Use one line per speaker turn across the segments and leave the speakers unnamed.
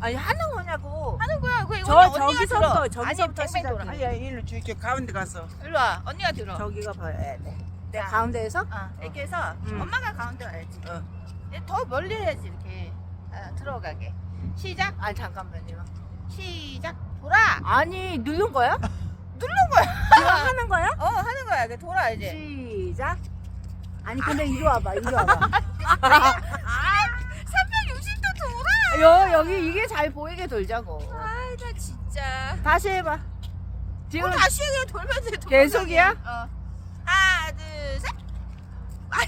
아니 하는 거냐고.
하는 거야. 그
저기서부터
뺑뺑
시작해.
돌아.
아니야 일로 줄게 가운데 가서.
일로 와. 언니가 들어.
저기가 봐야 돼. 내가
자.
가운데에서?
이렇게 해서 엄마가 가운데 와야지. 더 멀리 해야지 이렇게 들어가게. 시작. 아니 잠깐만요. 시작. 돌아.
아니 누른 거야?
누른 거야.
이거 하는 거야?
하는 거야. 이렇게 돌아 이제.
시작. 아니 근데 이리 와봐. 이리 와봐.
360도 돌아.
여기 이게 잘 보이게 돌자고.
아이 나 진짜.
다시 해봐. 지금
다시 그냥 돌면서 해.
계속이야?
하나 둘 셋. 아니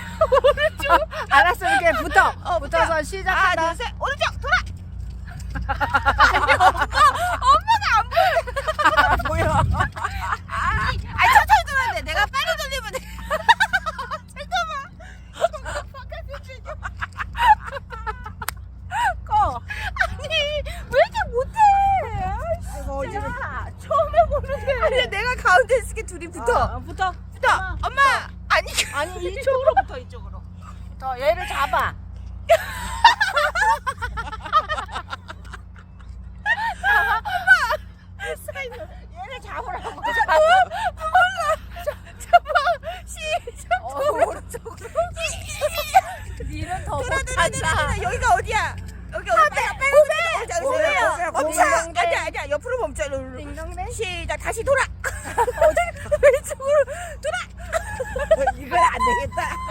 알았어 이렇게 붙어.
붙어.
붙어서 시작한다.
하나 둘 셋. 오른쪽 돌아. 아니 엄마는 안 보여.
보여.
아니 천천히 돌아야 돼. 내가 빨리 돌리면 돼. 잠깐만.
꺼.
아니 왜 이렇게 못해?
아이고 어지러.
처음에 보는데. 아니 내가 가운데 있을게 둘이 붙어.
붙어.
붙어. 엄마. 아니
아니 이쪽으로 붙어 이쪽으로. 붙어. 얘를 잡아. 얘를 잡으라고.
시작.
오른쪽으로. 니는 더 못한다.
여기가 어디야? 여기 어디야?
고개야,
멈춰.
고개야.
아니야. 옆으로 멈춰.
딩동댕.
시작. 다시 돌아. 왼쪽으로 돌아.
이건 안 되겠다.